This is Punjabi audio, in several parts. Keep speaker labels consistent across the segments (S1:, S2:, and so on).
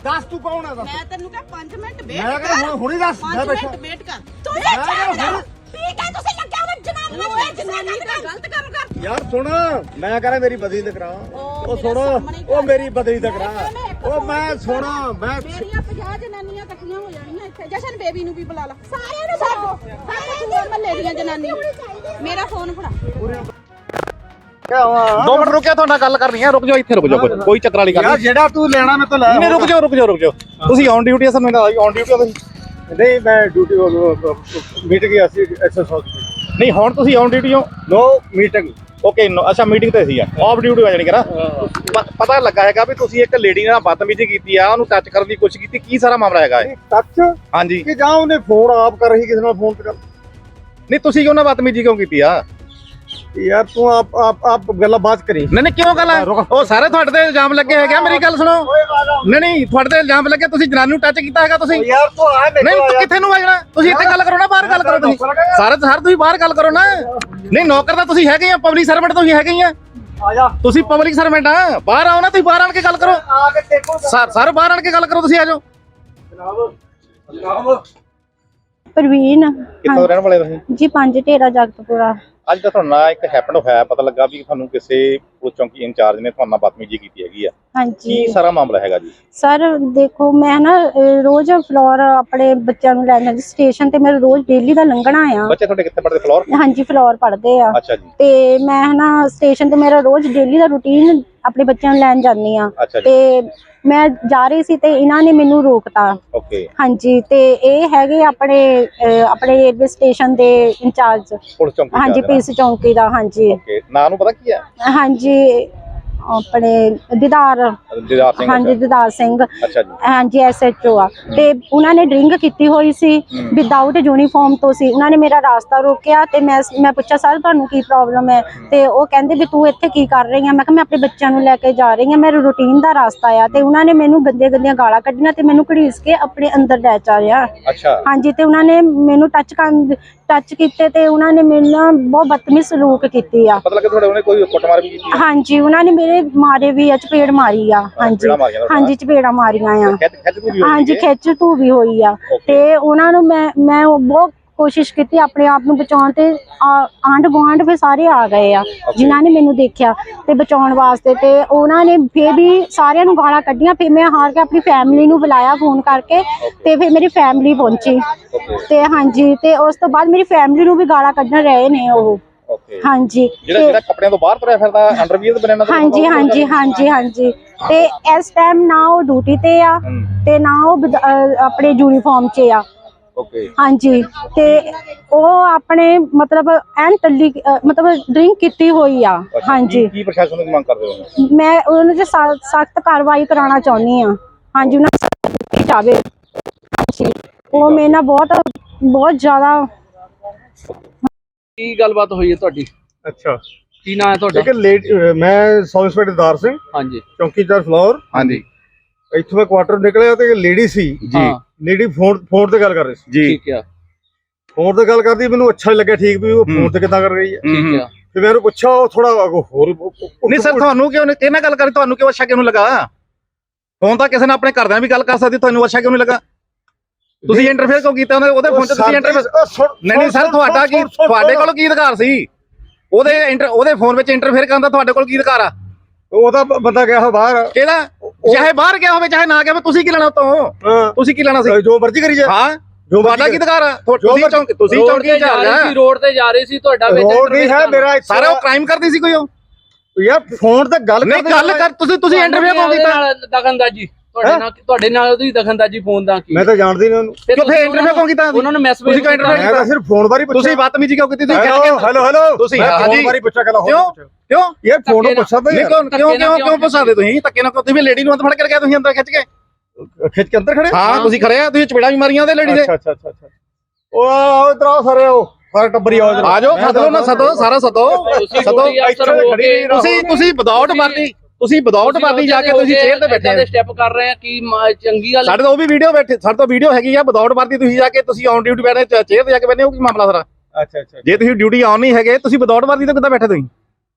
S1: ਦੱਸ ਤੂੰ ਕੌਣ ਹੈ ਦੱਸ।
S2: ਮੈਂ ਤੈਨੂੰ ਕਿਹਾ 5 ਮਿੰਟ ਵੇਟ
S1: ਮੈਂ ਕਹਿੰਦਾ ਹੁਣੀ ਦੱਸ।
S2: 5 ਮਿੰਟ ਵੇਟ ਕਰ ਤੂੰ ਇਹ ਜਾਣਦਾ ਠੀਕ ਹੈ ਤੁਸੀਂ ਲੱਗਿਆ ਉਹ ਜਨਾਨੀ ਨੂੰ ਜਨਾਨੀ ਦਾ ਗਲਤ ਕੰਮ ਕਰ
S1: ਯਾਰ ਸੁਣ ਮੈਂ ਕਹਿੰਦਾ ਮੇਰੀ ਬਦਲੀ ਤੇ ਕਰਾ। ਉਹ ਸੁਣ ਉਹ ਮੇਰੀ ਬਦਲੀ ਤੇ ਕਰਾ। ਉਹ ਮੈਂ ਸੁਣ ਮੈਂ
S2: ਮੇਰੀਆਂ 50 ਜਨਾਨੀਆਂ ਇਕੱਠੀਆਂ ਹੋ ਜਾਣੀਆਂ ਇੱਥੇ। ਜਸ਼ਨ ਬੇਬੀ ਨੂੰ ਵੀ ਬੁਲਾ ਲਾ ਸਾਰਿਆਂ ਨੂੰ ਸਾਰੇ ਮਹੱਲੇ ਦੀਆਂ ਜਨਾਨੀਆਂ। ਮੇਰਾ ਫੋਨ ਫੜਾ
S3: 2 ਮਿੰਟ ਰੁਕਿਆ ਤੁਹਾਡੇ ਨਾਲ ਗੱਲ ਕਰਨੀ ਹੈ। ਰੁਕ ਜਾਓ ਇੱਥੇ ਰੁਕ ਜਾਓ ਕੋਈ ਚੱਕਰ ਵਾਲੀ ਗੱਲ
S1: ਯਾਰ ਜਿਹੜਾ ਤੂੰ ਲੈਣਾ ਮੈਂ ਤਾਂ ਲੈ
S3: ਨਹੀਂ ਰੁਕ ਜਾਓ ਤੁਸੀਂ ਔਨ ਡਿਊਟੀ ਆ ਸਾਨੂੰ ਔਨ ਡਿਊਟੀ ਹੋ ਤੁਸੀਂ
S1: ਨਹੀਂ ਮੈਂ ਡਿਊਟੀ ਮੀਟਿੰਗ ਗਿਆ ਸੀ ਐਸਐਸ ਹਸਪੀਟਲ।
S3: ਨਹੀਂ ਹੁਣ ਤੁਸੀਂ ਔਨ ਡਿਊਟੀ ਹੋ
S1: ਨੋ ਮੀਟਿੰਗ
S3: ਓਕੇ ਅੱਛਾ ਮੀਟਿੰਗ ਤੇ ਸੀ ਆਫ ਡਿਊਟੀ ਹੋ ਜਾਣੀ ਕਰਾ ਪਤਾ ਲੱਗਾ ਹੈਗਾ ਵੀ ਤੁਸੀਂ ਇੱਕ ਲੇਡੀ ਨਾਲ ਬਦਤਮੀਜ਼ੀ ਕੀਤੀ ਆ ਉਹਨੂੰ ਟੱਚ ਕਰਨ ਦੀ ਕੋਸ਼ਿਸ਼ ਕੀਤੀ ਕੀ ਸਾਰਾ ਮਾਮਲਾ ਹੈਗਾ ਇਹ
S1: ਟੱਚ
S3: ਹਾਂਜੀ
S1: ਕਿ ਜਾਂ ਉਹਨੇ ਫੋਨ ਆਪ ਕਰ ਰਹੀ ਕਿਸੇ ਨਾਲ ਫੋਨ ਤੇ ਗੱਲ।
S3: ਨਹੀਂ ਤੁਸੀਂ ਕਿਉਂ ਨਾ ਬਦਤਮੀਜ਼ੀ ਕਿਉਂ ਕੀਤੀ ਆ
S1: ਯਾਰ ਤੂੰ ਆਪ ਗੱਲਾਂ ਬਾਤ ਕਰੀ।
S3: ਨਹੀਂ ਕਿਉਂ ਗੱਲ ਹੈ ਉਹ ਸਾਰੇ ਤੁਹਾਡੇ ਤੇ ਇਲਜ਼ਾਮ ਲੱਗੇ ਹੈਗੇ ਮੇਰੀ ਗੱਲ ਸੁਣੋ ਨਹੀਂ ਤੁਹਾਡੇ ਤੇ ਇਲਜ਼ਾਮ ਲੱਗੇ ਤੁਸੀਂ ਜਨਾਨੀ ਨੂੰ ਟੱਚ ਕੀਤਾ ਹੈਗਾ ਤੁਸੀਂ
S1: ਯਾਰ ਤੂੰ ਆ
S3: ਨਹੀਂ ਕਿੱਥੇ ਨੂੰ ਆਜਣਾ ਤੁਸੀਂ ਇੱਥੇ ਗੱਲ ਕਰੋ ਨਾ ਬਾਹਰ ਗੱਲ ਕਰੋ ਤੁਸੀਂ ਸਾਰੇ ਤੁਸੀਂ ਬਾਹਰ ਗੱਲ ਕਰੋ ਨਾ ਨਹੀਂ ਨੌਕਰ ਤਾਂ ਤੁਸੀਂ ਹੈਗੇ ਆ ਪਬਲਿਕ ਸਰਵੈਂਟ ਤੁਸੀਂ ਹੈਗੇ ਆ
S1: ਆਜਾ
S3: ਤੁਸੀਂ ਪਬਲਿਕ ਸਰਵੈਂਟ ਆ ਬਾਹਰ ਆਓ ਨਾ ਤੁਸੀਂ ਬਾਹਰ ਆਣ ਕੇ ਗੱਲ ਕਰੋ
S1: ਆ ਕੇ ਦੇਖੋ
S3: ਸਰ ਬਾਹਰ ਆਣ ਕੇ ਗੱਲ ਕਰੋ ਤੁਸੀਂ ਆਜੋ
S1: ਜਨਾਬ
S4: ਪ੍ਰਵੀਨ
S3: ਕਿੱਥੋਂ ਰਹਿਣ ਵਾਲੇ ਤੁਸੀਂ
S4: ਜੀ 5 ਢੇਰਾ ਜਗਤਪੁਰਾ।
S3: ਅੱਜ ਤਾਂ ਤੁਹਾਨੂੰ ਨਾਲ ਇੱਕ ਹੈਪਨ ਹੋਇਆ ਪਤਾ ਲੱਗਾ ਵੀ ਤੁਹਾਨੂੰ ਕਿਸੇ ਪੁਲਿਸ ਚੌਂਕੀ ਇੰਚਾਰਜ ਨੇ ਤੁਹਾਨੂੰ ਬਦਤਮੀਜ਼ੀ ਕੀਤੀ ਹੈਗੀ ਆ
S4: ਹਾਂਜੀ
S3: ਕੀ ਸਾਰਾ ਮਾਮਲਾ ਹੈਗਾ ਜੀ
S4: ਸਰ ਦੇਖੋ ਮੈਂ ਨਾ ਰੋਜ਼ ਫਲੋਰ ਆਪਣੇ ਬੱਚਿਆਂ ਨੂੰ ਲੈਣ ਜਾਂਦੀ ਸਟੇਸ਼ਨ ਤੇ ਮੇਰਾ ਰੋਜ਼ ਡੇਲੀ ਦਾ ਲੰਘਣਾ ਆ।
S3: ਬੱਚੇ ਤੁਹਾਡੇ ਕਿੱਥੇ ਪੜ੍ਹਦੇ ਫਲੋਰ
S4: ਹਾਂਜੀ ਫਲੋਰ ਪੜ੍ਹਦੇ ਆ
S3: ਅੱਛਾ ਜੀ
S4: ਤੇ ਮੈਂ ਨਾ ਸਟੇਸ਼ਨ ਤੇ ਮੇਰਾ ਰੋਜ਼ ਡੇਲੀ ਦਾ ਰੂਟੀਨ ਆਪਣੇ ਬੱਚਿਆਂ ਨੂੰ ਲੈਣ ਜਾਂਦੀ ਆ
S3: ਅੱਛਾ ਜੀ
S4: ਤੇ ਮੈਂ ਜਾ ਰਹੀ ਸੀ ਤੇ ਇਹਨਾਂ ਨੇ ਮੈਨੂੰ ਰੋਕਤਾ।
S3: ਓਕੇ
S4: ਹਾਂਜੀ ਤੇ ਇਹ ਹੈਗੇ ਆਪਣੇ ਰੇਲਵੇ ਸਟੇਸ਼ਨ ਦੇ ਇੰਚਾਰਜ
S3: ਪੁਲਿਸ ਚੌਂਕੀ
S4: ਹਾਂਜੀ ਪੀਸ ਚੌਂਕੀ ਦਾ ਹਾਂਜੀ
S3: ਓਕੇ ਨਾਂ ਨੂੰ ਪਤਾ ਕੀ ਹੈ
S4: ਹਾਂਜੀ ਆਪਣੇ ਦੀਦਾਰ
S3: ਦਿਦਾਰ ਸਿੰਘ
S4: ਹਾਂਜੀ ਦੀਦਾਰ ਸਿੰਘ
S3: ਅੱਛਾ ਜੀ
S4: ਹਾਂਜੀ ਐਸਐਚਓ ਆ ਤੇ ਉਹਨਾਂ ਨੇ ਡਰਿੰਕ ਕੀਤੀ ਹੋਈ ਸੀ ਵਿਦਆਊਟ ਯੂਨੀਫਾਰਮ ਤੋਂ ਸੀ। ਉਹਨਾਂ ਨੇ ਮੇਰਾ ਰਾਸਤਾ ਰੋਕਿਆ ਤੇ ਮੈਂ ਪੁੱਛਿਆ ਸਰ ਤੁਹਾਨੂੰ ਕੀ ਪ੍ਰੋਬਲਮ ਹੈ ਤੇ ਉਹ ਕਹਿੰਦੇ ਵੀ ਤੂੰ ਇੱਥੇ ਕੀ ਕਰ ਰਹੀ ਆ। ਮੈਂ ਕਿਹਾ ਮੈਂ ਆਪਣੇ ਬੱਚਿਆਂ ਨੂੰ ਲੈ ਕੇ ਜਾ ਰਹੀ ਆ ਮੇਰਾ ਰੂਟੀਨ ਦਾ ਰਾਸਤਾ ਆ ਤੇ ਉਹਨਾਂ ਨੇ ਮੈਨੂੰ ਗੰਦੀਆਂ ਗਾਲਾਂ ਕੱਢੀਆਂ ਤੇ ਮੈਨੂੰ ਘੜੀਸ ਕੇ ਆਪਣੇ ਅੰਦਰ ਲੈ ਚਾ ਰਿਹਾ।
S3: ਅੱਛਾ
S4: ਹਾਂਜੀ ਤੇ ਉਹਨਾਂ ਨੇ ਮੈਨੂੰ ਟੱਚ ਕੀਤੇ ਤੇ ਉਹਨਾਂ ਨੇ ਮੇਰੇ ਨਾਲ ਬਹੁਤ ਬਦਤਮੀਜ਼ ਸਲੂਕ ਕੀਤੀ ਆ।
S3: ਪਤਾ ਲੱਗਾ ਤੁਹਾਡੇ ਉਹਨੇ ਕੋਈ ਕੁੱਟਮਾਰ ਵੀ ਕੀਤੀ
S4: ਹਾਂਜੀ ਉਹਨਾਂ ਨੇ ਮੇਰੇ ਮਾਰੇ ਵੀ ਆ ਚਪੇੜ ਮਾਰੀ ਆ। ਹਾਂਜੀ ਹਾਂਜੀ ਚਪੇੜਾਂ ਮਾਰੀਆਂ ਆ ਹਾਂਜੀ ਖਿੱਚ ਧੂ ਵੀ ਹੋਈ ਆ ਤੇ ਉਹਨਾਂ ਨੂੰ ਮੈਂ ਬਹੁਤ ਕੋਸ਼ਿਸ਼ ਕੀਤੀ ਆਪਣੇ ਆਪ ਨੂੰ ਬਚਾਉਣ ਤੇ ਆਂਢ ਗੁਆਂਢ ਫਿਰ ਸਾਰੇ ਆ ਗਏ ਆ ਜਿਨ੍ਹਾਂ ਨੇ ਮੈਨੂੰ ਦੇਖਿਆ ਤੇ ਬਚਾਉਣ ਵਾਸਤੇ ਤੇ ਉਹਨਾਂ ਨੇ ਫਿਰ ਵੀ ਸਾਰਿਆਂ ਨੂੰ ਗਾਲਾਂ ਕੱਢੀਆਂ। ਫਿਰ ਮੈਂ ਹਾਰ ਕੇ ਆਪਣੀ ਫੈਮਿਲੀ ਨੂੰ ਬੁਲਾਇਆ ਫੋਨ ਕਰਕੇ ਤੇ ਫਿਰ ਮੇਰੀ ਫੈਮਿਲੀ ਪਹੁੰਚੀ ਤੇ ਹਾਂਜੀ ਤੇ ਉਸ ਤੋਂ ਬਾਅਦ ਮੇਰੀ ਫੈਮਿਲੀ ਨੂੰ ਵੀ ਗਾਲਾਂ ਕੱਢਣ ਰਹੇ ਨੇ ਉਹ ਹਾਂਜੀ
S3: ਜਿਹੜਾ ਕੱਪੜਿਆਂ ਤੋਂ ਬਾਹਰ ਤੁਰਿਆ ਫਿਰਦਾ ਅੰਡਰਵੀਅਰ ਬਣਾਉਣਾ
S4: ਹਾਂਜੀ ਤੇ ਇਸ ਟਾਈਮ ਨਾ ਉਹ ਡਿਊਟੀ ਤੇ ਆ ਤੇ ਨਾ ਉਹ ਆਪਣੇ ਯੂਨੀਫਾਰਮ 'ਚ ਆ।
S3: ਓਕੇ
S4: ਹਾਂਜੀ ਤੇ ਉਹ ਆਪਣੇ ਮਤਲਬ ਐਨ ਟੱਲੀ ਮਤਲਬ ਡਰਿੰਕ ਕੀਤੀ ਹੋਈ ਆ। ਹਾਂਜੀ
S3: ਕੀ ਪ੍ਰਸ਼ਾਸਨ ਨੂੰ ਮੰਗ ਕਰਦੇ ਹੋ?
S4: ਮੈਂ ਉਹਨਾਂ ਤੇ ਸਖਤ ਕਾਰਵਾਈ ਕਰਾਉਣਾ ਚਾਹੁੰਦੀ ਆ। ਹਾਂਜੀ ਉਹਨਾਂ ਨੂੰ ਜਾਵੇ। ਹਾਂਜੀ ਉਹ ਮੇਰੇ ਨਾਲ ਬਹੁਤ ਜ਼ਿਆਦਾ
S5: ਕੀ ਗੱਲਬਾਤ ਹੋਈ ਹੈ ਤੁਹਾਡੀ?
S1: ਅੱਛਾ
S5: ਕੀ ਨਾਮ ਹੈ ਤੁਹਾਡਾ?
S1: ਠੀਕ ਹੈ ਮੈਂ ਸਬ ਇੰਸਪੈਕਟਰ ਦੀਦਾਰ ਸਿੰਘ
S5: ਹਾਂਜੀ
S1: ਚੌਂਕੀਦਾਰ ਫਲੋਰ।
S3: ਹਾਂਜੀ
S1: ਇੱਥੋਂ ਮੈਂ ਕੁਆਟਰ ਨਿਕਲਿਆ ਤੇ ਲੇਡੀ ਸੀ
S3: ਜੀ
S1: ਲੇਡੀ ਫੋਨ ਤੇ ਗੱਲ ਕਰ ਰਹੀ ਸੀ
S3: ਜੀ
S5: ਠੀਕ ਆ
S1: ਫੋਨ ਤੇ ਗੱਲ ਕਰਦੀ ਮੈਨੂੰ ਅੱਛਾ ਲੱਗਿਆ ਠੀਕ ਵੀ ਉਹ ਫੋਨ ਤੇ ਕਿੱਦਾਂ ਕਰ ਰਹੀ ਹੈ।
S5: ਠੀਕ ਆ
S1: ਤੇ ਮੈਂ ਉਹਨੂੰ ਪੁੱਛਿਆ ਉਹ ਥੋੜਾ ਹੋਰ
S3: ਨਹੀਂ ਸਰ ਤੁਹਾਨੂੰ ਕਿਉਂ ਕਿਹਨਾਂ ਗੱਲ ਕਰੀ ਤੁਹਾਨੂੰ ਕਿਉਂ ਅੱਛਾ ਕਿਉਂ ਨਹੀਂ ਲੱਗਾ? ਫੋਨ ਤਾਂ ਕਿਸੇ ਨੇ ਆਪਣੇ ਘਰਦਿਆਂ ਵੀ ਗੱਲ ਕਰ ਸਕਦੀ ਤੁਹਾਨੂੰ ਅੱਛਾ ਕਿਉਂ ਨਹੀਂ ਲੱਗਾ? ਤੁਸੀਂ ਇੰਟਰਫੇਅਰ ਕਿਉਂ ਕੀਤਾ ਉਹਦੇ ਫੋਨ 'ਚ ਤੁਸੀਂ ਇੰਟਰਫੇਅਰ ਨਹੀਂ ਸਰ ਤੁਹਾਡਾ ਕੀ ਤੁਹਾਡੇ ਕੋਲ ਕੀ ਅਧਿਕਾਰ ਸੀ ਉਹਦੇ ਫੋਨ ਵਿੱਚ ਇੰਟਰਫੇਅਰ ਕਰਨ ਦਾ ਤੁਹਾਡੇ ਕੋਲ ਕੀ ਅਧਿਕਾਰ ਆ?
S1: ਉਹਦਾ ਬੰਦਾ ਗਿਆ ਹੋ ਬਾਹਰ
S3: ਕਿਹਦਾ ਚਾਹੇ ਬਾਹਰ ਗਿਆ ਹੋਵੇ ਚਾਹੇ ਨਾ ਗਿਆ ਹੋਵੇ ਤੁਸੀਂ ਕੀ ਲੈਣਾ ਉਤੋਂ? ਤੁਸੀਂ ਕੀ ਲੈਣਾ ਸੀ?
S1: ਜੋ ਮਰਜ਼ੀ ਕਰੀ ਜਾ
S3: ਹਾਂ ਤੁਹਾਡਾ ਕੀ ਅਧਿਕਾਰ ਆ? ਤੁਸੀਂ ਚੌਂਕੀ ਜਾ ਰਹੇ ਸੀ
S5: ਰੋਡ ਤੇ ਜਾ ਰਹੇ ਸੀ ਤੁਹਾਡਾ ਵਿੱਚ
S1: ਰੋਡ ਨਹੀਂ ਹੈ ਮੇਰਾ
S3: ਸਾਰਾ ਉਹ ਕ੍ਰਾਈਮ ਕਰਦੀ ਸੀ ਕੋਈ ਉਹ
S1: ਯਾਰ ਫੋਨ ਤੇ ਗੱਲ
S3: ਨਹੀਂ ਗੱਲ ਕਰ ਤੁਸੀਂ ਇੰਟਰਵਿਊ ਕਿਉਂ ਕੀਤਾ?
S5: ਦਖਲਅੰਦਾਜ਼ੀ ਤੁਹਾਡੇ ਨਾਲ ਉਹਦੀ ਦਖਲਅੰਦਾਜ਼ੀ ਫੋਨ ਦਾ ਕੀ?
S1: ਮੈਂ ਤਾਂ ਜਾਣਦੀ ਨਹੀਂ ਉਹਨੂੰ
S3: ਕਿਉਂ ਫਿਰ ਇੰਟਰਵਿਊ ਕਿਉਂ ਕੀਤਾ?
S5: ਉਹਨਾਂ ਨੂੰ ਮੈਸੇਜ
S3: ਤੁਸੀਂ ਕਿਉਂ ਇੰਟਰਵਿਊ
S1: ਮੈਂ ਤਾਂ ਸਿਰਫ ਫੋਨ ਬਾਰੇ ਪੁੱਛਿਆ।
S3: ਤੁਸੀਂ ਬਦਤਮੀਜ਼ੀ ਕਿਉਂ ਕੀਤੀ? ਤੁਸੀਂ
S1: ਹੈਲੋ
S3: ਤੁਸੀਂ
S1: ਫੋਨ ਬਾਰੇ ਪੁੱਛਿਆ ਕਹਿੰਦਾ
S3: ਕਿਉਂ
S1: ਯਾਰ ਫੋਨ ਪੁੱਛਦਾ
S3: ਕਿਉਂ ਪੁੱਛਾਦੇ ਤੁਸੀਂ ਧੱਕੇ ਨਾਲ ਤੁਸੀਂ ਲੇਡੀ ਨੂੰ ਅੰਦਰ ਫੜ ਕੇ ਗਿਆ ਤੁਸੀਂ ਅੰਦਰ ਖਿੱਚ ਕੇ
S1: ਅੰਦਰ ਖੜੇ
S3: ਹਾਂ ਤੁਸੀਂ ਖੜੇ ਆ ਤੁਸੀਂ ਚਪੇੜਾਂ ਵੀ ਮਾਰੀਆਂ ਉਹਦੇ ਲੇਡੀ ਦੇ।
S1: ਅੱਛਾ ਉਹ ਇਧਰ ਆਓ ਸਾਰੇ ਟੱਬਰੀ ਆਓ
S3: ਆ ਜਾਓ ਸਦੋ ਨਾ ਸਦੋ ਸਾਰਾ ਸਦੋ ਤੁਸੀਂ ਵਿਦਆਊਟ ਵਰਦੀ ਤੁਸੀਂ ਵਿਦਆਊਟ ਵਰਦੀ ਜਾ ਕੇ ਤੁਸੀਂ ਚੇਅਰ ਤੇ ਬੈਠੇ
S5: ਸਟੈਪ ਕਰ ਰਹੇ ਆ ਕੀ ਚੰਗੀ ਗੱਲ?
S3: ਸਾਡੇ ਤੋਂ ਉਹ ਵੀ ਵੀਡੀਓ ਬੈਠੇ ਸਾਡੇ ਤੋਂ ਵੀਡੀਓ ਹੈਗੀ ਆ ਵਿਦਆਊਟ ਵਰਦੀ ਤੁਸੀਂ ਜਾ ਕੇ ਤੁਸੀਂ ਔਨ ਡਿਊਟੀ ਬੈਠੇ ਚੇਅਰ ਤੇ ਜਾ ਕੇ ਬੈਠੇ ਹੋ ਕੀ ਮਾਮਲਾ ਸਾਰਾ?
S1: ਅੱਛਾ
S3: ਜੇ ਤੁਸੀਂ ਡਿਊਟੀ ਆਨ ਨਹੀਂ ਹੈਗੇ ਤੁਸੀਂ ਵਿਦਆਊਟ ਵਰਦੀ ਤੇ ਕਿੱਦਾਂ ਬੈਠੇ ਤੁਸੀਂ?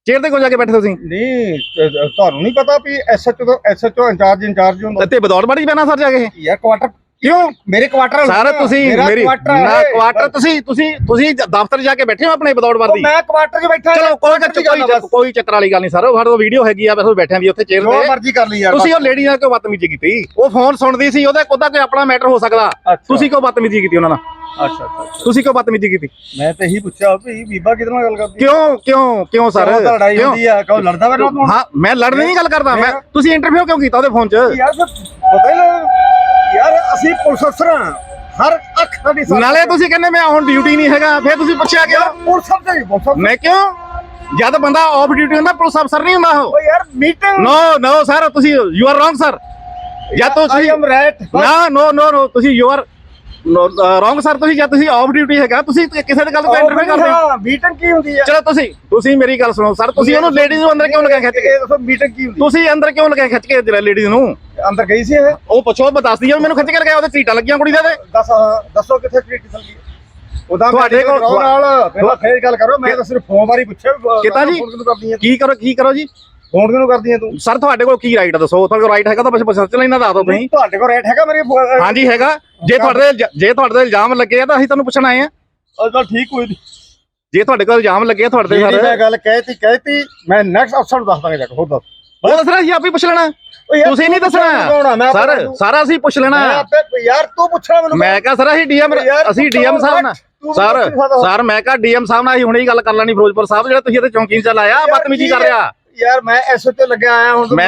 S3: ਚੇਅਰ ਤੇ ਕਿਉਂ ਜਾ ਕੇ ਬੈਠੇ ਤੁਸੀਂ
S1: ਨਹੀਂ ਤੁਹਾਨੂੰ ਨਹੀਂ ਪਤਾ ਵੀ ਐਸਐਚਓ ਇੰਚਾਰਜ ਹੁੰਦਾ
S3: ਤੇ ਬਦੌੜ ਬੜੀ ਪੈਣਾ ਸਰ ਜਾ ਕੇ
S1: ਯਾਰ ਕੁਆਟਰ
S3: ਕਿਉਂ
S1: ਮੇਰੇ ਕੁਆਟਰ
S3: ਸਰ ਤੁਸੀਂ ਮੇਰੀ ਨਾ ਕੁਆਟਰ ਤੁਸੀਂ ਦਫ਼ਤਰ ਜਾ ਕੇ ਬੈਠੇ ਹੋ ਆਪਣੇ ਬਦੌੜ ਵਰਦੀ
S1: ਮੈਂ ਕੁਆਟਰ 'ਚ ਬੈਠਾ
S3: ਚਲੋ ਕੋਈ ਚੱਕਰ ਵਾਲੀ ਗੱਲ ਨਹੀਂ ਸਰ ਸਾਡੇ ਕੋਲ ਵੀਡੀਓ ਹੈਗੀ ਆ ਬਸ ਬੈਠਿਆਂ ਦੀ ਉੱਥੇ ਚੇਅਰ
S1: ਜੋ
S3: ਤੇ
S1: ਮਰਜ਼ੀ ਕਰ ਲਈ ਯਾਰ
S3: ਤੁਸੀਂ ਉਹ ਲੇਡੀ ਨਾਲ ਕਿਉਂ ਬਦਤਮੀਜ਼ੀ ਕੀਤੀ ਉਹ ਫੋਨ ਸੁਣਦੀ ਸੀ ਉਹਦਾ ਕੋਈ ਆਪਣਾ ਮੈਟਰ ਹੋ ਸਕਦਾ ਤੁਸੀਂ ਕਿਉਂ ਬਦਤਮੀਜ਼ੀ ਕੀਤੀ ਉਹਨਾਂ ਨਾਲ
S1: ਅੱਛਾ
S3: ਤੁਸੀਂ ਕਿਉਂ ਬਦਤਮੀਜ਼ੀ ਕੀਤੀ
S1: ਮੈਂ ਤੇ ਇਹੀ ਪੁੱਛਿਆ ਵੀ ਬੀਬਾ ਕਿਹਦੇ ਨਾਲ ਗੱਲ ਕਰਦੀ
S3: ਕਿਉਂ ਸਰ
S1: ਲੜਾਈ ਹੁੰਦੀ ਆ ਕਹੋ ਲੜਦਾ ਮੇਰੇ ਨਾਲ
S3: ਹਾਂ ਮੈਂ ਲੜਨ ਦੀ ਗੱਲ ਕਰਦਾ ਮੈਂ ਤੁਸੀਂ ਇੰਟਰਵਿਊ ਕਿਉਂ ਕੀਤਾ ਉਹਦੇ ਫੋਨ 'ਚ
S1: ਯਾਰ ਪਤਾ ਹੀ ਨਾ ਯਾਰ ਅਸੀਂ ਪੁਲਿਸ ਅਫਸਰ ਹਾਂ ਹਰ ਅੱਖ ਸਾਡੀ
S3: ਨਾਲੇ ਤੁਸੀਂ ਕਹਿੰਦੇ ਮੈਂ ਹੁਣ ਡਿਊਟੀ ਨਹੀਂ ਹੈਗਾ ਫਿਰ ਤੁਸੀਂ ਪੁੱਛਿਆ ਕਿਉਂ
S1: ਪੁਲਿਸ ਅਫਸਰ
S3: ਮੈਂ ਕਿਉਂ ਜਦ ਬੰਦਾ ਆਫ ਡਿਊਟੀ ਹੁੰਦਾ ਪੁਲਿਸ ਅਫਸਰ ਨਹੀਂ ਹੁੰਦਾ ਉਹ
S1: ਯਾਰ ਮੀਟਿੰਗ
S3: ਨੋ ਸਰ ਤੁਸੀਂ ਯੂ ਆਰ ਰੋਂਗ ਸਰ ਜਾਂ ਤੁਸੀਂ
S1: ਆਈ ਐਮ ਰਾਈਟ
S3: ਨੋ ਤੁਸੀਂ ਯੂ ਆਰ ਰੋਂਗ ਸਰ ਤੁਸੀਂ ਜਾਂ ਤੁਸੀਂ ਆਫ ਡਿਊਟੀ ਹੈਗਾ ਤੁਸੀਂ ਕਿਸੇ ਦੀ ਗੱਲ ਤੋਂ ਇੰਟਰਵਿਊ ਕਰਦੇ ਹੋ
S1: ਮੀਟਿੰਗ ਕੀ ਹੁੰਦੀ ਆ
S3: ਚਲੋ ਤੁਸੀਂ ਮੇਰੀ ਗੱਲ ਸੁਣੋ ਸਰ ਤੁਸੀਂ ਉਹਨੂੰ ਲੇਡੀਜ਼ ਨੂੰ ਅੰਦਰ ਕਿਉਂ ਲਗਾ ਖਿੱਚ ਕੇ
S1: ਦੱਸੋ ਮੀਟਿੰਗ ਕੀ ਹੁੰਦੀ
S3: ਤੁਸੀਂ ਅੰਦਰ ਕਿਉਂ ਲਗਾ ਖਿੱਚ ਕੇ ਲੇਡੀਜ਼ ਨੂੰ
S1: ਅੰਦਰ ਗਈ ਸੀ ਇਹ
S3: ਉਹ ਪੁੱਛੋ ਮੈਂ ਦੱਸਦੀ ਆ ਮੈਨੂੰ ਖਿੱਚ ਕੇ ਲਗਾਇਆ ਉਹਦੇ ਸੀਟਾਂ ਲੱਗੀਆਂ ਕੁੜੀ ਦੇ
S1: ਦੱਸੋ ਕਿੱਥੇ ਟ੍ਰੀਟ ਚੱਲ ਗਈ ਉਹਦਾ
S3: ਤੁਹਾਡੇ ਕੋਲ
S1: ਨਾਲ ਪਹਿਲਾਂ ਫੇਰ ਗੱਲ ਕਰੋ ਮੈਂ ਤਾਂ ਸਿਰਫ ਫੋਨ ਬਾਰੇ ਪੁੱਛਿਆ
S3: ਕਿਤਾ ਜੀ ਕੀ ਕਰੋ ਜੀ
S1: ਫੋਨ ਕਿਉਂ ਕਰਦੀ ਹੈ ਤੂੰ
S3: ਸਰ ਤੁਹਾਡੇ ਕੋਲ ਕੀ ਰਾਈਟ ਦੱਸੋ ਤੁਹਾਡੇ ਕੋਲ ਰਾਈਟ ਹੈਗਾ ਤਾਂ ਬਸ ਚਲਾ ਇਹਨਾਂ ਦੱਸ ਦਿਓ ਤੁਸੀਂ
S1: ਤੁਹਾਡੇ ਕੋਲ ਰਾਈਟ ਹੈਗਾ ਮੇਰੇ
S3: ਹਾਂਜੀ ਹੈਗਾ ਜੇ ਤੁਹਾਡੇ ਇਲਜ਼ਾਮ ਲੱਗੇ ਆ ਤਾਂ ਅਸੀਂ ਤੁਹਾਨੂੰ ਪੁੱਛਣ ਆਏ ਆ
S1: ਚੱਲ ਠੀਕ ਕੋਈ ਨਹੀਂ
S3: ਜੇ ਤੁਹਾਡੇ ਕੋਲ ਇਲਜ਼ਾਮ ਲੱਗੇ ਆ ਤੁਹਾਡੇ ਤੇ
S1: ਜਿਹੜੀ ਮੈਂ ਗੱਲ ਕਹਿਤੀ ਮੈਂ ਨੈਕਸਟ ਅਫਸਰ ਨੂੰ ਦੱਸ ਦਾਂਗਾ ਜਾ ਕੇ ਹੋਰ ਦੱਸ
S3: ਉਹ ਦੱਸਣਾ ਸੀ ਆਪ ਹੀ ਪੁੱਛ ਲੈਣਾ ਤੁਸੀਂ ਨਹੀਂ ਦੱਸਣਾ ਸਰ ਸਾਰਾ ਅਸੀਂ ਪੁੱਛ ਲੈਣਾ
S1: ਯਾਰ ਤੂੰ ਪੁੱਛਣਾ ਮੈਨੂੰ
S3: ਮੈਂ ਕਿਹਾ ਸਰ ਅਸੀਂ ਡੀਐਮ ਸਾਹਿਬ ਨਾਲ ਸਰ ਮੈਂ ਕਿਹਾ ਡੀਐਮ ਸਾਹਿਬ ਨਾਲ ਅਸੀਂ ਹੁਣੇ ਹੀ ਗੱਲ ਕਰ ਲੈਣੀ ਫਿਰੋਜ਼ਪੁਰ ਸਾਹਿਬ ਜਿਹੜਾ ਤੁਸੀਂ ਇੱਥੇ ਚੌਂਕੀ 'ਚ ਲਾਇਆ ਬਦਤਮੀਜ਼ੀ ਕਰ ਰਿਹਾ
S1: ਯਾਰ ਮੈਂ ਐਸਐਚਓ ਲੱਗਿਆ ਆਇਆ ਹੁਣ
S3: ਮੈਂ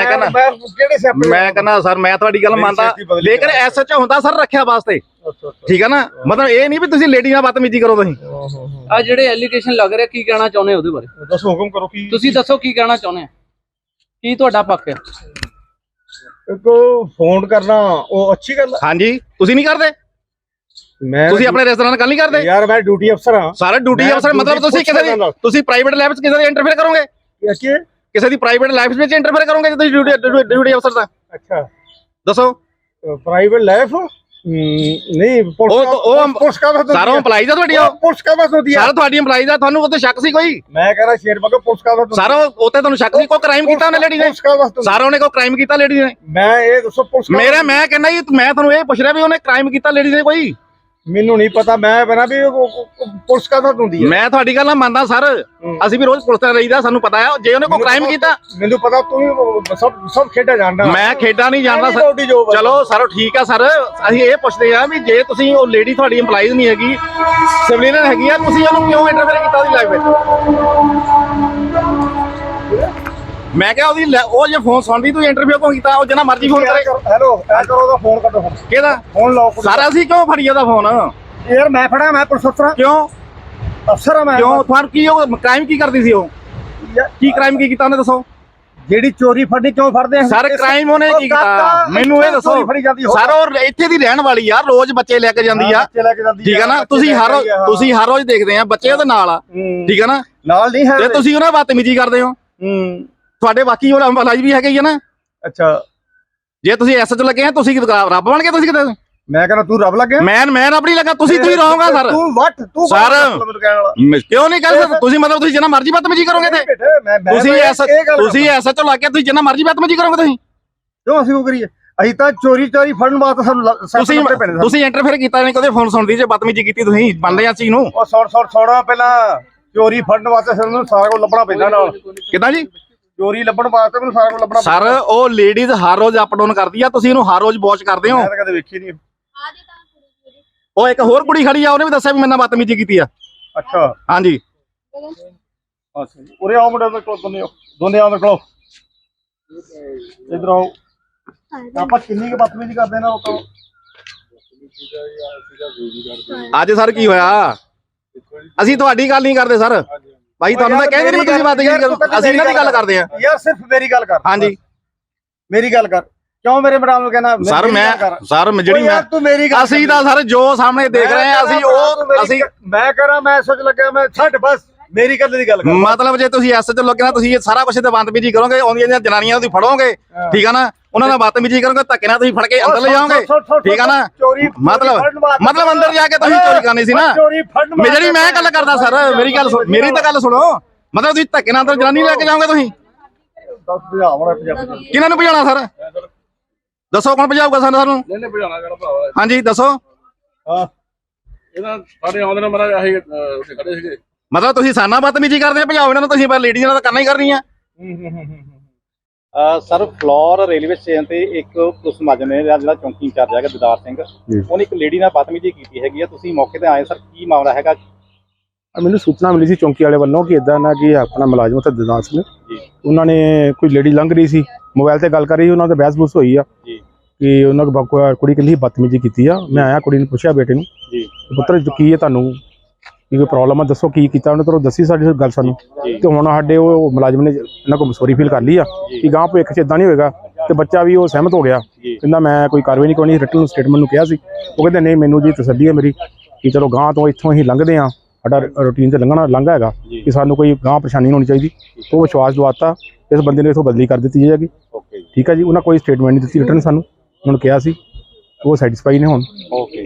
S3: ਕਹਿੰਦਾ ਸਰ ਮੈਂ ਤੁਹਾਡੀ ਗੱਲ ਮੰਨਦਾ ਲੇਕਿਨ ਐਸਐਚਓ ਹੁੰਦਾ ਸਰ ਰੱਖਿਆ ਵਾਸਤੇ ਠੀਕ ਹੈ ਨਾ ਮਤਲਬ ਇਹ ਨਹੀਂ ਵੀ ਤੁਸੀਂ ਲੇਡੀ ਨਾਲ ਬਦਤਮੀਜ਼ੀ ਕਰੋ ਤੁਸੀਂ
S5: ਆ ਜਿਹੜੇ ਐਲੀਗੇਸ਼ਨ ਲੱਗ ਰਿਹਾ ਕੀ ਕਹਿਣਾ ਚਾਹੁੰਦੇ ਉਹਦੇ ਬਾਰੇ
S1: ਦੱਸੋ ਹੁਕਮ ਕਰੋ ਕੀ
S5: ਤੁਸੀਂ ਦੱਸੋ ਕੀ ਕਹਿਣਾ ਚਾਹੁੰਦੇ ਆ ਕੀ ਤੁਹਾਡਾ ਪੱਕ ਹੈ
S1: ਕੋ ਫੋਨ ਕਰਨਾ ਉਹ ਅੱਛੀ ਗੱਲ
S3: ਹਾਂਜੀ ਤੁਸੀਂ ਨਹੀਂ ਕਰਦੇ
S1: ਮੈਂ
S3: ਤੁਸੀਂ ਆਪਣੇ ਰੈਸਟੋਰੈਂਟ ਨਾਲ ਗੱਲ ਨਹੀਂ ਕਰਦੇ
S1: ਯਾਰ ਮੈਂ ਡਿਊਟੀ ਅਫਸਰ ਹਾਂ
S3: ਸਾਰਾ ਡਿਊਟੀ ਅਫਸਰ ਮਤਲਬ ਤੁਸੀਂ ਪ੍ਰਾਈਵੇਟ ਲਾਈਫ 'ਚ ਕਿਸੇ ਦੀ ਇੰਟਰਫੇਅਰ ਕਰੋਗੇ ਕਿਸੇ ਦੀ ਪ੍ਰਾਈਵੇਟ ਲਾਈਫ ਵਿੱਚ ਇੰਟਰਫੇਅਰ ਕਰੋਗੇ ਜੇ ਤੁਸੀਂ ਡਿਊਟੀ ਅਫਸਰ ਦਾ
S1: ਅੱਛਾ
S3: ਦੱਸੋ
S1: ਪ੍ਰਾਈਵੇਟ ਲਾਈਫ ਨਹੀਂ ਪੁਲਿਸ ਕਾ
S3: ਸਾਰਾ EMPLOYEE ਦਾ ਤੁਹਾਡੀ
S1: ਪੁਲਿਸ ਕਾ ਹੁੰਦੀ ਹੈ
S3: ਸਾਰਾ ਤੁਹਾਡੀ EMPLOYEE ਦਾ ਤੁਹਾਨੂੰ ਉੱਤੇ ਸ਼ੱਕ ਸੀ ਕੋਈ
S1: ਮੈਂ ਕਹ ਰਿਹਾ ਸ਼ੇਰ ਬਗਾ ਪੁਲਿਸ ਕਾ
S3: ਸਾਰਾ ਉੱਤੇ ਤੁਹਾਨੂੰ ਸ਼ੱਕ ਸੀ ਕੋਈ ਕ੍ਰਾਈਮ ਕੀਤਾ ਉਹਨੇ ਲੇਡੀ ਨੇ ਸਾਰਾ ਉਹਨੇ ਕੋਈ ਕ੍ਰਾਈਮ ਕੀਤਾ ਲੇਡੀ ਨੇ
S1: ਮੈਂ ਇਹ ਦੱਸੋ ਪੁਲਿਸ
S3: ਮੈਂ ਕਹਿੰਦਾ ਜੀ ਮੈਂ ਤੁਹਾਨੂੰ ਇਹ ਪੁੱਛ ਰਿਹਾ ਵੀ ਉਹਨੇ ਕ੍ਰਾਈਮ ਕੀਤਾ ਲੇਡੀ ਨੇ ਕੋਈ
S1: ਮੈਨੂੰ ਨਹੀਂ ਪਤਾ ਮੈਂ ਬਣਾ ਵੀ ਪੁਲਿਸ ਕਾ ਹੁੰਦੀ ਹੈ
S3: ਮੈਂ ਤੁਹਾਡੀ ਗੱਲ ਨਾਲ ਮੰਨਦਾ ਸਰ ਅਸੀਂ ਵੀ ਰੋਜ਼ ਪੁਲਿਸ ਤੇ ਰਹੀਦਾ ਸਾਨੂੰ ਪਤਾ ਹੈ ਜੇ ਉਹਨੇ ਕੋਈ ਕ੍ਰਾਈਮ ਕੀਤਾ
S1: ਮੈਨੂੰ ਪਤਾ ਤੂੰ ਸਭ ਖੇਡਾਂ ਜਾਣਦਾ
S3: ਮੈਂ ਖੇਡਾਂ ਨਹੀਂ ਜਾਣਦਾ ਸਰ ਚਲੋ ਸਰ ਠੀਕ ਆ ਸਰ ਅਸੀਂ ਇਹ ਪੁੱਛਦੇ ਆ ਵੀ ਜੇ ਤੁਸੀਂ ਉਹ ਲੇਡੀ ਤੁਹਾਡੀ EMPLOYEE ਨਹੀਂ ਹੈਗੀ ਸਿਵਲੀਅਨ ਹੈਗੀ ਆ ਤੁਸੀਂ ਉਹਨੂੰ ਕਿਉਂ ਇੰਟਰਫੇਅਰ ਕੀਤਾ ਉਹਦੀ ਲਾਈਫ ਵਿੱਚ ਮੈਂ ਕਿਹਾ ਉਹ ਜੇ ਫੋਨ ਸੁਣਦੀ ਤੂੰ ਇੰਟਰਵਿਊ ਕਿਉਂ ਕੀਤਾ ਉਹ ਜਿੰਨਾ ਮਰਜ਼ੀ ਫੋਨ ਕਰੇ
S1: ਹੈਲੋ ਐ ਕਰੋ ਉਹਦਾ ਫੋਨ ਕੱਟੋ
S3: ਕਿਹਦਾ
S1: ਫੋਨ ਲਾਓ
S3: ਸਾਰਾ ਅਸੀਂ ਕਿਉਂ ਫੜੀ ਉਹਦਾ ਫੋਨ
S1: ਯਾਰ ਮੈਂ ਫੜਾ ਮੈਂ ਪੁਲਿਸ ਅਫਸਰ
S3: ਕਿਉਂ
S1: ਅਫਸਰ ਆ ਮੈਂ
S3: ਕਿਉਂ ਤੁਹਾਨੂੰ ਕੀ ਉਹ ਕ੍ਰਾਈਮ ਕੀ ਕਰਦੀ ਸੀ ਉਹ ਕੀ ਕ੍ਰਾਈਮ ਕੀ ਕੀਤਾ ਉਹਨੇ ਦੱਸੋ
S1: ਜਿਹੜੀ ਚੋਰੀ ਫੜਨੀ ਕਿਉਂ ਫੜਦੇ ਆ
S3: ਸਰ ਕ੍ਰਾਈਮ ਉਹਨੇ ਕੀ ਕੀਤਾ ਮੈਨੂੰ ਇਹ ਦੱਸੋ ਸਰ ਉਹ ਇੱਥੇ ਦੀ ਰਹਿਣ ਵਾਲੀ ਆ ਰੋਜ਼ ਬੱਚੇ ਲੈ ਕੇ ਜਾਂਦੀ ਆ ਠੀਕ ਹੈ ਨਾ ਤੁਸੀਂ ਹਰ ਰੋਜ਼ ਦੇਖਦੇ ਆ ਬੱਚੇ ਉਹਦੇ ਨਾਲ ਆ ਠੀਕ ਹੈ ਨਾ
S1: ਨਾਲ ਨਹੀਂ ਹੈ
S3: ਤੇ ਤੁਸੀਂ ਉਹਨਾਂ ਬਦਤਮੀਜ਼ੀ ਕਰਦੇ ਹੋ ਤੁਹਾਡੇ ਬਾਕੀ ਉਹ EMPLOYEE ਵੀ ਹੈਗੇ ਹੀ ਆ ਨਾ
S1: ਅੱਛਾ
S3: ਜੇ ਤੁਸੀਂ ਐਸਐਚ ਲੱਗੇ ਆ ਤੁਸੀਂ ਰੱਬ ਬਣ ਕੇ ਤੁਸੀਂ ਕਿਤੇ
S1: ਮੈਂ ਕਹਿੰਦਾ ਤੂੰ ਰੱਬ ਲੱਗਿਆ
S3: ਮੈਂ ਰੱਬ ਨਹੀਂ ਲੱਗਾ ਤੁਸੀਂ ਰਹੋਗਾ ਸਰ
S1: ਤੂੰ
S3: ਸਰ ਕਿਉਂ ਨਹੀਂ ਕਰ ਸਕਦੇ ਤੁਸੀਂ ਮਤਲਬ ਤੁਸੀਂ ਜਿੰਨਾ ਮਰਜ਼ੀ ਬਦਤਮੀਜ਼ੀ ਕਰੋਗੇ ਤੇ ਤੁਸੀਂ ਐਸਐਚ ਲੱਗ ਕੇ ਤੁਸੀਂ ਜਿੰਨਾ ਮਰਜ਼ੀ ਬਦਤਮੀਜ਼ੀ ਕਰੋਗੇ ਤੁਸੀਂ
S1: ਕਿਉਂ ਅਸੀਂ ਉਹ ਕਰੀਏ ਅਸੀਂ ਤਾਂ ਚੋਰੀ ਫੜਨ ਵਾਸਤੇ ਸਾਨੂੰ
S3: ਤੁਸੀਂ ਇੰਟਰਫੇਅਰ ਕੀਤਾ ਨਹੀਂ ਕਦੇ ਫੋਨ ਸੁਣਦੀ ਜੇ ਬਦਤਮੀਜ਼ੀ ਕੀਤੀ ਤੁਸੀਂ ਮੰਨਦੇ ਆ ਚੀਜ਼ ਨੂੰ
S1: ਉਹ ਸੁਣ ਪਹਿਲਾਂ ਚੋਰੀ ਫੜਨ ਵਾਸਤੇ ਸਾਨੂੰ ਸਾਰਾ ਕੁਝ ਲੱਭਣਾ ਪੈਂਦਾ ਨਾਲ
S3: ਕਿਦਾਂ ਜੀ
S1: ਚੋਰੀ ਲੱਭਣ ਵਾਸਤੇ ਮੈਨੂੰ ਸਾਰਾ ਕੁਝ ਲੱਭਣਾ
S3: ਸਰ ਉਹ ਲੇਡੀਜ਼ ਹਰ ਰੋਜ਼ ਅਪ ਡਾਊਨ ਕਰਦੀ ਆ ਤੁਸੀਂ ਇਹਨੂੰ ਹਰ ਰੋਜ਼ ਵਾਚ ਕਰਦੇ ਹੋ
S1: ਮੈਂ ਤਾਂ ਕਦੇ ਵੇਖੀ ਨਹੀਂ
S3: ਉਹ ਇੱਕ ਹੋਰ ਕੁੜੀ ਖੜੀ ਆ ਉਹਨੇ ਵੀ ਦੱਸਿਆ ਵੀ ਮੇਰੇ ਨਾਲ ਬਦਤਮੀਜ਼ੀ ਕੀਤੀ ਆ
S1: ਅੱਛਾ
S3: ਹਾਂਜੀ
S1: ਅੱਛਾ ਜੀ ਉਰੇ ਆਓ ਮੁੰਡੇ ਕੋਲ ਦੋਨੇ ਆਓ ਮੇਰੇ ਕੋਲ ਇਧਰ ਆਓ ਆਪਾਂ ਕਿੰਨੀ ਕੁ ਬਦਤਮੀਜ਼ੀ ਕਰਦੇ ਨਾ ਉਹ
S3: ਅੱਜ ਸਰ ਕੀ ਹੋਇਆ ਅਸੀਂ ਤੁਹਾਡੀ ਗੱਲ ਨਹੀਂ ਕਰਦੇ ਸਰ ਭਾਈ ਤੁਹਾਨੂੰ ਤਾਂ ਕਹਿੰਦੇ ਨਹੀਂ ਤੁਸੀਂ ਬਦਤਮੀਜ਼ੀ ਕਰੋ ਅਸੀਂ ਇਹਨਾਂ ਦੀ ਗੱਲ ਕਰਦੇ ਆ
S1: ਯਾਰ ਸਿਰਫ ਮੇਰੀ ਗੱਲ ਕਰ
S3: ਹਾਂਜੀ
S1: ਮੇਰੀ ਗੱਲ ਕਰ ਕਿਉਂ ਮੇਰੇ ਮੈਡਮ ਨੂੰ ਕਹਿਣਾ
S3: ਸਰ ਜਿਹੜੀ ਮੈਂ ਅਸੀਂ ਤਾਂ ਸਰ ਜੋ ਸਾਹਮਣੇ ਦੇਖ ਰਹੇ ਆ ਅਸੀਂ
S1: ਮੈਂ ਕਰਾਂ ਮੈਂ ਸੋਚ ਲੱਗਿਆ ਮੈਂ ਛੱਡ ਬਸ ਮੇਰੀ ਗੱਲ ਦੀ ਗੱਲ ਕਰ
S3: ਮਤਲਬ ਜੇ ਤੁਸੀਂ ਐਸ ਚ ਲੱਗੇ ਨਾ ਤੁਸੀਂ ਸਾਰਾ ਕੁਝ ਤੇ ਬਦਤਮੀਜ਼ੀ ਕਰੋਗੇ ਆਉਂਦੀਆਂ ਜਨਾਨੀਆਂ ਤੁਸੀਂ ਫੜੋਗੇ ਠੀਕ ਆ ਨਾ ਉਹਨਾਂ ਨਾਲ ਬਦਤਮੀਜ਼ੀ ਕਰੋਗੇ ਧੱਕੇ ਨਾਲ ਤੁਸੀਂ ਫੜ ਕੇ ਅੰਦਰ ਲੈ ਜਾਓਗੇ ਠੀਕ ਆ ਨਾ ਮਤਲਬ ਅੰਦਰ ਜਾ ਕੇ ਤੁਸੀਂ ਚੋਰੀ ਕਰਨੀ ਸੀ ਨਾ ਜਿਹੜੀ ਮੈਂ ਗੱਲ ਕਰਦਾ ਸਰ ਮੇਰੀ ਤਾਂ ਗੱਲ ਸੁਣੋ ਮਤਲਬ ਤੁਸੀਂ ਧੱਕੇ ਨਾਲ ਅੰਦਰ ਜਨਾਨੀ ਲੈ ਕੇ ਜਾਓਗੇ ਤੁਸੀਂ?
S1: ਦੱਸ ਭਜਾਵਣਾ ਪੰਜਾਬੀ
S3: ਕਿਹਨਾਂ ਨੂੰ ਭਜਾਉਣਾ ਸਰ? ਦੱਸੋ ਕੌਣ ਭਜਾਊਗਾ ਸਾਨੂੰ?
S6: ਨਹੀਂ ਭਜਾਣਾ ਕਿਹੜਾ ਭਰਾਵਾ
S3: ਹਾਂਜੀ ਦੱਸੋ।
S1: ਹਾਂ
S6: ਇਹਨਾਂ ਸਾਡੇ ਆਉਂਦੇ ਨੇ ਮਹਾਰਾਜ ਆਹੀ ਉੱਥੇ ਖੜੇ ਸੀਗੇ।
S3: ਮਤਲਬ ਤੁਸੀਂ ਸਾਨਾ ਬਦਤਮੀਜੀ ਕਰਦੇ ਆ, ਭਜਾਓ ਇਹਨਾਂ ਨੂੰ ਤੁਸੀਂ, ਪਰ ਲੇਡੀਜ਼ ਨਾਲ ਤਾਂ ਕਰਨਾ ਹੀ ਕਰਨੀ ਆ।
S7: ਸਰ ਫਲੋਰ ਰੇਲਵੇ ਸਟੇਸ਼ਨ ਤੇ ਇੱਕ ਪੁਲਿਸ ਮੁਲਾਜ਼ਮ ਨੇ ਜਿਹੜਾ ਚੌਂਕੀ ਇੰਚਾਰਜ ਹੈਗਾ ਦਿਦਾਰ ਸਿੰਘ, ਉਹਨੇ ਇੱਕ ਲੇਡੀ ਨਾਲ ਬਦਤਮੀਜੀ ਕੀਤੀ ਹੈਗੀ ਆ। ਤੁਸੀਂ ਮੌਕੇ ਤੇ ਆਏ ਸਰ, ਕੀ ਮਾਮਲਾ ਹੈਗਾ?
S8: ਮੈਨੂੰ ਸੂਚਨਾ ਮਿਲੀ ਸੀ ਚੌਂਕੀ ਵਾਲੇ ਵੱਲੋਂ ਕਿ ਇਦਾਂ ਨਾ ਕਿ ਆਪਣਾ ਮੁਲਾਜ਼ਮ ਉੱਥੇ ਦਿਦਾਰ ਸਿੰਘ ਉਹਨਾਂ ਨੇ ਕੋਈ ਲੇਡੀ ਲੰਘ ਰਹੀ ਸੀ, ਮੋਬਾਈਲ ਤੇ ਗੱਲ ਕਰ ਰਹੀ, ਉਹਨਾਂ ਦਾ ਬਹਿਸ-ਬੂਸ ਹੋਈ ਆ ਕਿ ਉਹਨਾਂ ਕੋਲ ਕੁੜੀ ਕਹਿੰਦੀ ਬਦਤਮੀਜੀ ਕੀਤੀ ਆ। ਮੈਂ ਆਇਆ, ਕੁੜੀ ਨੂੰ ਪੁੱਛਿਆ ਬੇਟੇ ਨੂੰ ਪੁੱਤਰ ਕੀ ਹੈ, ਤੁਹਾਨੂੰ ਕੀ ਕੋਈ ਪ੍ਰੋਬਲਮ ਆ, ਦੱਸੋ ਕੀ ਕੀਤਾ ਉਹਨੇ। ਤੁਹਾਨੂੰ ਦੱਸੀ ਸਾਡੀ ਗੱਲ ਸਾਨੂੰ, ਤੇ ਹੁਣ ਸਾਡੇ ਉਹ ਮੁਲਾਜ਼ਮ ਨੇ ਇਹਨਾਂ ਕੋਲ ਸੌਰੀ ਫੀਲ ਕਰ ਲਈ ਆ ਕਿ ਗਾਂ ਭਵਿੱਖ 'ਚ ਇਦਾਂ ਨਹੀਂ ਹੋਏਗਾ, ਤੇ ਬੱਚਾ ਵੀ ਉਹ ਸਹਿਮਤ ਹੋ ਗਿਆ, ਕਹਿੰਦਾ ਮੈਂ ਕੋਈ ਕਾਰਵਾਈ ਨਹੀਂ ਕਰਨੀ। ਰਿਟਨ ਸਟੇਟਮੈਂਟ ਨੂੰ ਕਿਹਾ ਸੀ, ਉਹ ਕਹਿੰਦੇ ਨਹੀਂ ਮੈਨੂੰ ਜੀ ਤਸੱਲੀ ਹੈ ਮੇਰੀ ਕਿ ਚਲੋ ਗਾਂ ਤੋਂ ਇੱਥੋਂ ਅਸੀਂ ਲੰਘਦੇ ਹਾਂ, ਸਾਡਾ ਰੂਟੀਨ ਤੇ ਲੰਘਾ ਹੈਗਾ ਕਿ ਸਾਨੂੰ ਕੋਈ ਗਾਂ ਪਰੇਸ਼ਾਨੀ ਨਹੀਂ ਹੋਣੀ ਚਾਹੀਦੀ। ਉਹ ਵਿਸ਼ਵਾਸ ਦਵਾਤਾ, ਇਸ ਬੰਦੇ ਨੇ ਇੱਥੋਂ ਬਦਲੀ ਕਰ ਦਿੱਤੀ ਜਾਏਗੀ। ਠੀਕ ਹੈ ਜੀ, ਉਹਨਾਂ ਕੋਈ ਸਟੇਟਮੈਂਟ ਨਹੀਂ ਦਿੱਤੀ ਰਿਟਨ ਸਾਨੂੰ, ਉਹਨਾਂ ਨੂੰ ਕਿਹਾ ਸੀ, ਉਹ ਸੈਟੀਸਫਾਈ ਨੇ ਹੁਣ।